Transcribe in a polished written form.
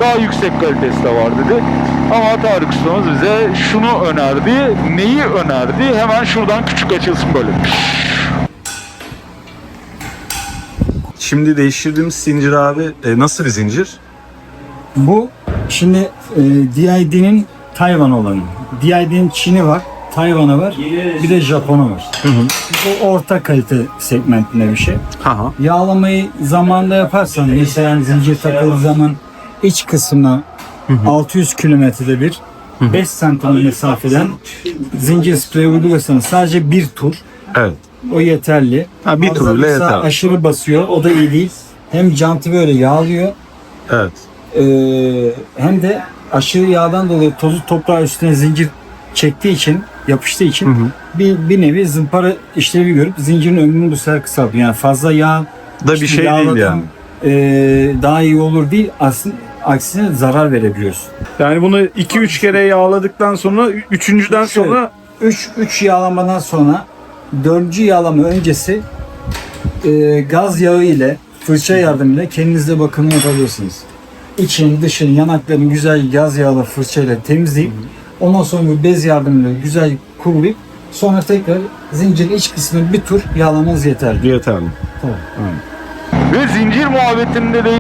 daha yüksek kalitesi de var dedi. Ama Tarık ustamız bize şunu önerdi. Neyi önerdi? Hemen şuradan küçük açılsın böyle. Şimdi değiştirdiğimiz zincir abi nasıl bir zincir? Bu şimdi DID'nin Tayvan olanı. DID'nin Çin'i var, Tayvan'ı var, bir de Japon'u var. Bu orta kalite segmentinde bir şey. Ha. Yağlamayı zamanında yaparsan, mesela zincir takıldığı zaman iç kısmına 600 kilometrede bir 5 santim mesafeden zincir spreyi uygularsanız sadece bir tur, Evet. o yeterli. Ha, bir tur bile Mesela yeter. aşırı basıyor, o da iyi değil. Hem jantı böyle yağlıyor, Evet. hem de aşırı yağdan dolayı tozu toprağı üstüne zincir çektiği için, yapıştığı için bir nevi zımpara işlevi görüp zincirin ömrünü bu sefer kısaltıyor. Yani fazla yağ Da bir şey değil yani. daha iyi olur değil, aslında aksine zarar verebiliyorsun. Yani bunu 2-3 kere yağladıktan sonra 3.'den sonra 3 yağlamadan sonra 4. yağlama öncesi gaz yağı ile fırça yardımıyla kendinizde bakımını yapabilirsiniz. İçini, dışını, yanaklarını güzel gaz yağlı fırçayla temizleyip ondan sonra bir bez yardımıyla güzel kurulayıp sonra tekrar zincirin iç kısmını bir tur yağlamanız yeterli. Yeterli. Tamam. Ve zincir muhabbetinde de